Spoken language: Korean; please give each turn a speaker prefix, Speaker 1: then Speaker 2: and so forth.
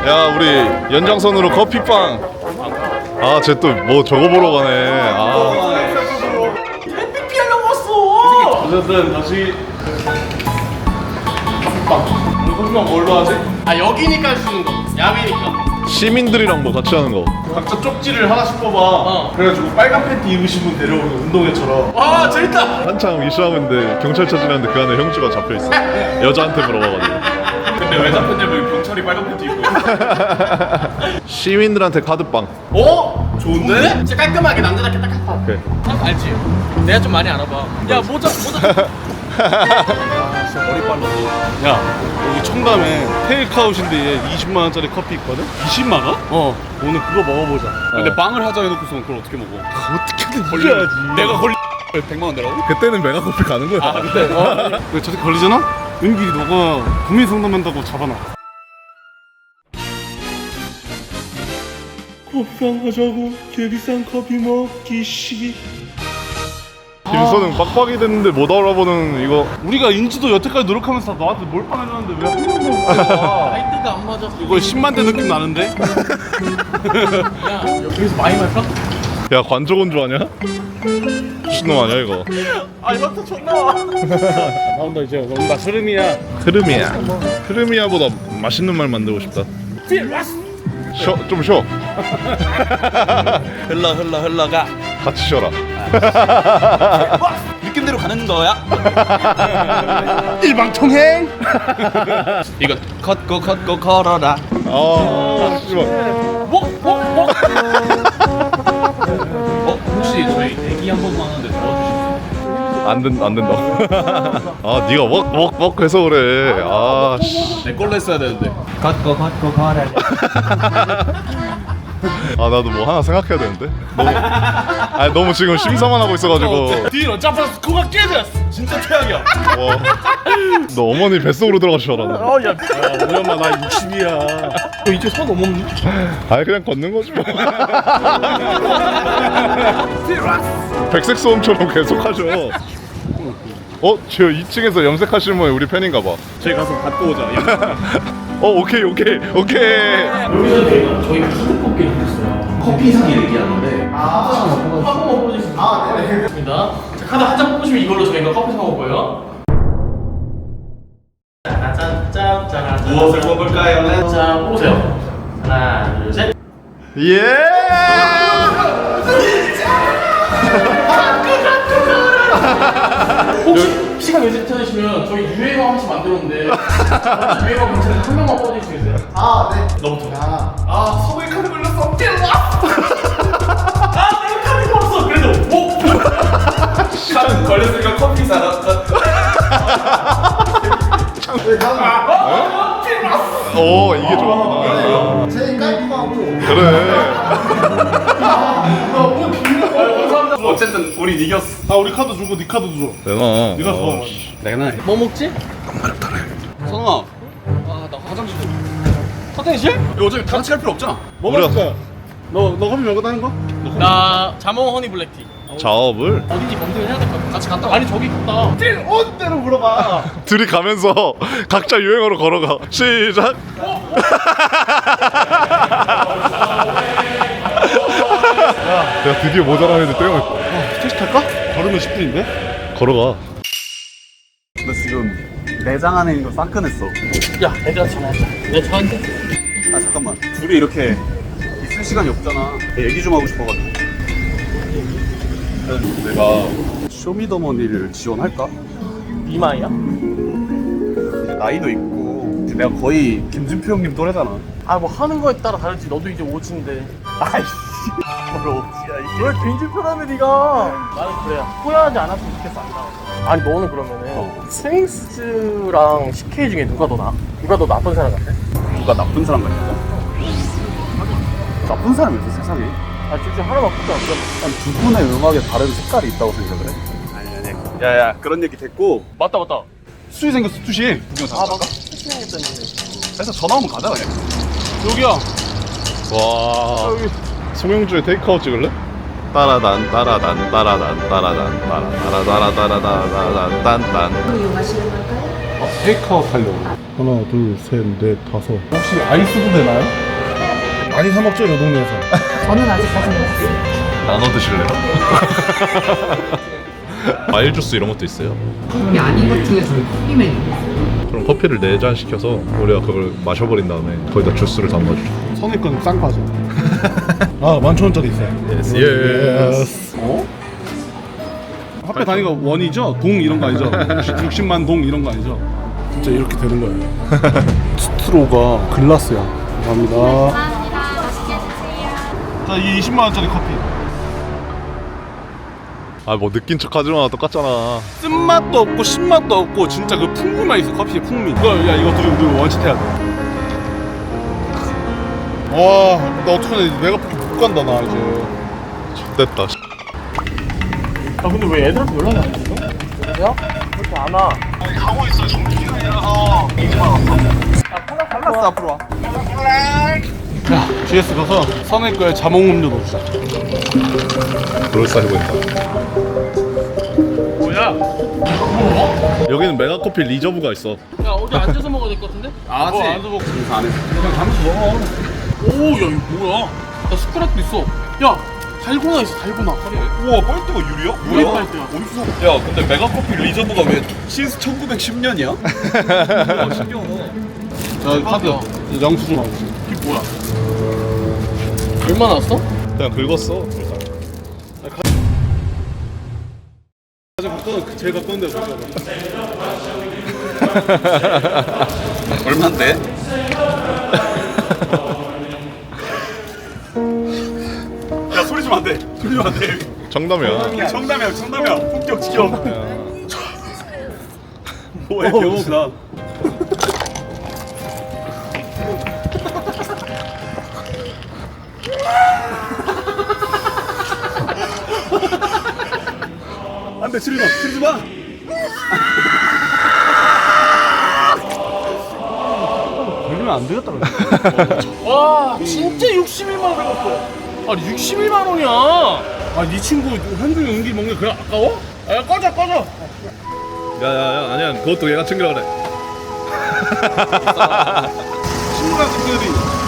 Speaker 1: 야 우리 연장선으로 커피빵. 아 쟤 또 뭐 저거 보러 가네. 아
Speaker 2: 햇빛 피하려고 왔어.
Speaker 3: 어쨌든 다시 커피빵. 오늘 커피빵 뭘로 하지?
Speaker 2: 아 여기니까 주는 거. 야외니까.
Speaker 1: 시민들이랑 뭐 같이 하는 거.
Speaker 3: 각자 쪽지를 하나씩 뽑아.
Speaker 2: 어.
Speaker 3: 그래가지고 빨간 팬티 입으신 분 데려오는 운동회처럼.
Speaker 2: 와 재밌다.
Speaker 1: 한창 이슈하고 있는데 경찰차 지났는데 그 안에 형주가 잡혀있어. 여자한테 물어봐가지고.
Speaker 3: 근데 왜 잡혔냐면 경찰이 빨간 팬티 입고 있어.
Speaker 1: 시민들한테 카드빵.
Speaker 2: 어?
Speaker 3: 좋은데?
Speaker 2: 진짜 깔끔하게 남자답게 딱 한.
Speaker 1: 오케이.
Speaker 2: 알지? 내가 좀 많이 알아봐. 야 모자.
Speaker 3: 머리 빨랐어. 야, 여기 청담에 테이크아웃인데 20만 원짜리 커피 있거든? 20만 원? 어. 오늘 그거 먹어보자. 근데 빵을 하자 해놓고서 그걸 어떻게 먹어?
Speaker 1: 어떻게든
Speaker 3: 걸려야지. 내가 걸리 100만 원 내라고?
Speaker 1: 그때는 메가커피 가는 거야.
Speaker 3: 아, 근데 근데 저렇게 걸리잖아? 은길이 너가 국민 상담한다고 잡아놔. 커피빵 하자고 개비싼 커피 먹기 시기.
Speaker 1: 김선은 빡빡이 됐는데 못 알아보는 이거.
Speaker 3: 우리가 인지도 여태까지 노력하면서 너한테 몰빵 해줬는데 왜 한 명도 못 봐?
Speaker 2: 라이트가 안 맞아.
Speaker 3: 이거 10만 대 느낌 나는데?
Speaker 2: 야 여기서 많이 말까?
Speaker 1: 야 관저건 줄 아냐? 미친놈 아니야 이거.
Speaker 2: 아 이것도 존나 와.
Speaker 3: 나온다 이제. 나 스르미야.
Speaker 1: 흐름이야. 흐름이야보다 맛있는 말 만들고 싶다. 쉬어 좀 쉬어.
Speaker 2: 흘러가.
Speaker 1: 같이 쉬어라.
Speaker 2: 느낌대로 가는 거야.
Speaker 3: 일방통행.
Speaker 2: 이거 걷고 걸어라.
Speaker 1: 아 씨발.
Speaker 2: 혹시 저희 대기 한 번만 하는데 도와주실
Speaker 1: 안 된다. 아 네가 웍 해서 그래. 아 씨.
Speaker 3: 내 걸로 했어야 되는데.
Speaker 2: 걷고 걸어라.
Speaker 1: 아 나도 뭐 하나 생각해야 되는데. 너무 지금 심사만 하고 있어가지고.
Speaker 3: 뒤로 잡아서 코가 깨졌어. 진짜 최악이야.
Speaker 1: 와. 너 어머니 뱃속으로 들어가실 줄 알았네.
Speaker 3: 야, 우리 엄마 나 60이야.
Speaker 2: 너 이제 선 넘었니?
Speaker 1: 아니 그냥 걷는 거지 뭐. 백색 소음처럼 계속 하죠. 저 2층에서 염색하시는 분이 우리 팬인가 봐.
Speaker 3: 저희 가서 받고 오자.
Speaker 1: 오케이.
Speaker 2: 여기서 저희가 카드 뽑기를 했어요. 커피 상이 얘기하는데 한 번만 뽑아주실 수 있어요? 아 네네. 자, 카드 한 장 뽑으시면 이걸로 저희가 커피 사 먹고요. 짠짠짠짠.
Speaker 3: 무엇을 뽑을까요?
Speaker 2: 자 뽑으세요. 하나 둘 셋.
Speaker 1: 예.
Speaker 2: 혹시 시간 괜찮으시면 저희 유행어 한 번씩 만들었는데 유행어 괜찮으면 한 명만 뽑아주실 수 있어요? 아 네. 너부터. 아 서구의 카드 걸렸어. 아 내가 카드 걸었어. 그래도
Speaker 3: 카드 걸렸으니까 커피 사라.
Speaker 1: 이게 좋아.
Speaker 4: 제일 깔끔하고
Speaker 1: 그래.
Speaker 3: 어쨌든 우린 이겼어. 아 우리 카드 주고 네 카드 줘.
Speaker 1: 내놔.
Speaker 3: 네가 줘. 내가
Speaker 2: 뭐 먹지?
Speaker 3: 선아.
Speaker 2: 아나 화장실 좀. 화장실?
Speaker 3: 이거 어차피 다 같이 갈 필요 없잖아. 뭐
Speaker 1: 우리가-
Speaker 3: 마실 거야? 너 커피 먹었다는 거?
Speaker 2: 나 자몽 허니 블랙티.
Speaker 1: 작업을
Speaker 2: 어딘지 검색을 해야 될 것 같아. 같이 갔다 와. 아니 저기 갔다.
Speaker 3: 온 대로 물어봐.
Speaker 1: 둘이 가면서 각자 유행어로 걸어가. 시작. 야 드디어 모자란 애들 떼어냈다.
Speaker 3: 택시 탈까? 걸으면 10분인데?
Speaker 1: 걸어가.
Speaker 5: 너 지금 내장 안에 있는 거 싹 꺼냈어.
Speaker 2: 야 애들한테 전화하자. 내가 저한테.
Speaker 5: 아 잠깐만. 둘이 이렇게 있을 시간이 없잖아. 얘기 좀 하고 싶어가지고. 내가 쇼미더머니를 지원할까?
Speaker 2: 이마이야?
Speaker 5: 이제 나이도 있고 이제 내가 거의 김준표 형님 또래잖아.
Speaker 2: 아 뭐 하는 거에 따라 다르지. 너도 이제 오지인데.
Speaker 5: 아이씨. 뭘 어찌야 이게.
Speaker 2: 왜 김준표라며 네가. 나는 그래. 후회하지 않았으면 좋겠어. 안 나와서. 아니 너는 그러면은 스윙스랑 CK 중에 누가 더 나아? 누가 더 나쁜 사람 같아?
Speaker 5: 누가 나쁜 사람 같냐고? 나쁜 사람이 없어 세상에.
Speaker 2: 아 둘 중 하나만 뽑자.
Speaker 5: 한 두 분의 음악에 다른 색깔이 있다고 생각을 해. 아니. 야야 그런 얘기 됐고.
Speaker 2: 맞다.
Speaker 3: 수시 생겼어 수시. 구경
Speaker 2: 아
Speaker 3: 잠깐.
Speaker 2: 맞다. 스윙했다는데.
Speaker 5: 그래서 전화 오면 가자 그냥.
Speaker 3: 여기야.
Speaker 1: 와. 송영주의 테이크아웃 찍을래? 따라단 따라단 따라단 따라단 따라단 따라단 따라단 딴딴.
Speaker 6: 이용하시는 걸까요?
Speaker 3: 테이크아웃 하려고. 하나, 둘, 셋, 넷, 다섯. 혹시 아이스도 되나요? 많이 사 먹죠, 이 동네에서.
Speaker 4: 저는 아직까지 못 먹었어요.
Speaker 1: 나눠 드실래요? 과일 주스 이런 것도 있어요.
Speaker 4: 커피 아닌 것 중에서는 커피 메뉴.
Speaker 1: 그럼 커피를 4잔 시켜서 우리가 그걸 마셔버린 다음에 거기다 주스를 담아주죠.
Speaker 3: 선입견 쌍파죠. 아, 11,000원짜리 있어요.
Speaker 1: Yes, yes.
Speaker 3: 어? 화폐 단위가 원이죠? 동 이런 거 아니죠? 60만 동 이런 거 아니죠? 진짜 이렇게 되는 거예요. 스트로가 글라스야. 감사합니다.
Speaker 6: 감사합니다. 맛있게 드세요.
Speaker 3: 자, 이 20만 원짜리 커피.
Speaker 1: 아 뭐 느낀 척 하지마, 똑같잖아.
Speaker 3: 쓴맛도 없고 신맛도 없고 진짜 그 풍미만 있어. 커피의 풍미. 야, 이거 둘이 우리 원칙해야 돼. 와, 나 어떡하냐. 내가 못 간다 나 이제.
Speaker 1: 됐다.
Speaker 2: 아 근데 왜 애들한테 연락이 안 됐어? 여보세요? 그렇게 안 와.
Speaker 3: 아니 가고 있어. 정기간이라서 이제 왔어.
Speaker 2: 달랐어 앞으로 와.
Speaker 3: 야, GS 가서 선의 거에 자몽 음료 넣자.
Speaker 1: 그럴싸해 보인다.
Speaker 2: 뭐야?
Speaker 1: 여기는 메가커피 리저브가 있어.
Speaker 2: 야 어디 앉아서 먹어야 될 것 같은데?
Speaker 3: 아,
Speaker 2: 뭐 앉아서 먹고 인사 안 해. 그냥 가면서 먹어. 오, 야 이거 뭐야? 나 숟가락도 있어. 야, 달고나 있어, 달고나.
Speaker 5: 우와, 빨대가 유리야?
Speaker 2: 우리 빨대야.
Speaker 5: 어디서? 야, 근데 메가커피 리저브가 왜 신스 1910년이야? 신기하다.
Speaker 3: 자, 카드. 영수증 하고.
Speaker 2: 이게 뭐야? 얼마 나왔어?
Speaker 1: 그냥 긁었어.
Speaker 3: 가장 가까운 제일 가까운 데가 어디야?
Speaker 5: 얼만데? 야, 소리 좀 안 돼. 소리 좀 안 돼.
Speaker 1: 정답이야.
Speaker 5: 정답이야. 본격 지켜. 뭐해, 병신아. 안 돼, 치르지 마.
Speaker 3: 걸리면 안 되겠다.
Speaker 2: 와, 진짜 61만 원 배웠어. 아니 61만 원이야.
Speaker 3: 아, 네 친구 현중이 은기 먹는 게 그냥 아까워?
Speaker 2: 야 꺼져.
Speaker 1: 야야야, 아니야, 그것도 얘가 챙겨라 그래.
Speaker 3: 친구랑 친구들이